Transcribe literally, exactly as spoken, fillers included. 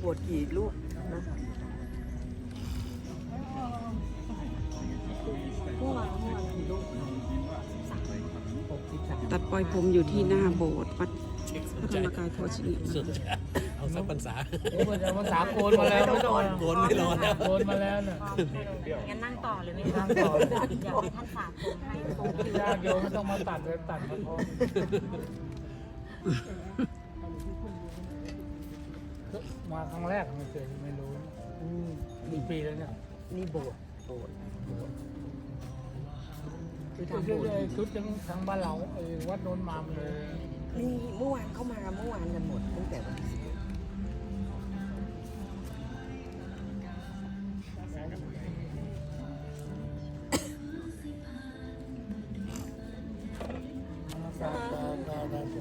วดกี่ลูกนะเมื่อวานเมื่อวานกี่ลูกหกสิบสามตัดปล่อยผมอยู่ที่หน้าโบสถ์วัดพระธรรมกายโพธินิสุดเอาสักพรรษาโอ้ยภาษาโกนมาแล้วไม่ต้องโกนไม่รอแล้วโกนมาแล้วน่ะงั้นนั่งต่อเลยไหมนั่งต่ออยากให้ท่านฝากผมให้ตรงที่ญาติโยมไม่ต้องมาตัดเลยตัดมาพร้อมมาครั้งแรกไม่เคยไม่รู้อืมกี่ปีแล้วเนี่ยนี่โบสถ์โบสถ์คือชุดทำโบสถ์ชุดทั้งทั้งบ้านเราไอ้วัดโนนมามเลยนี่เมื่อวานเข้ามาเมื่อวานกันหมดตั้งแต่วันที่สิบสาธุสาธุ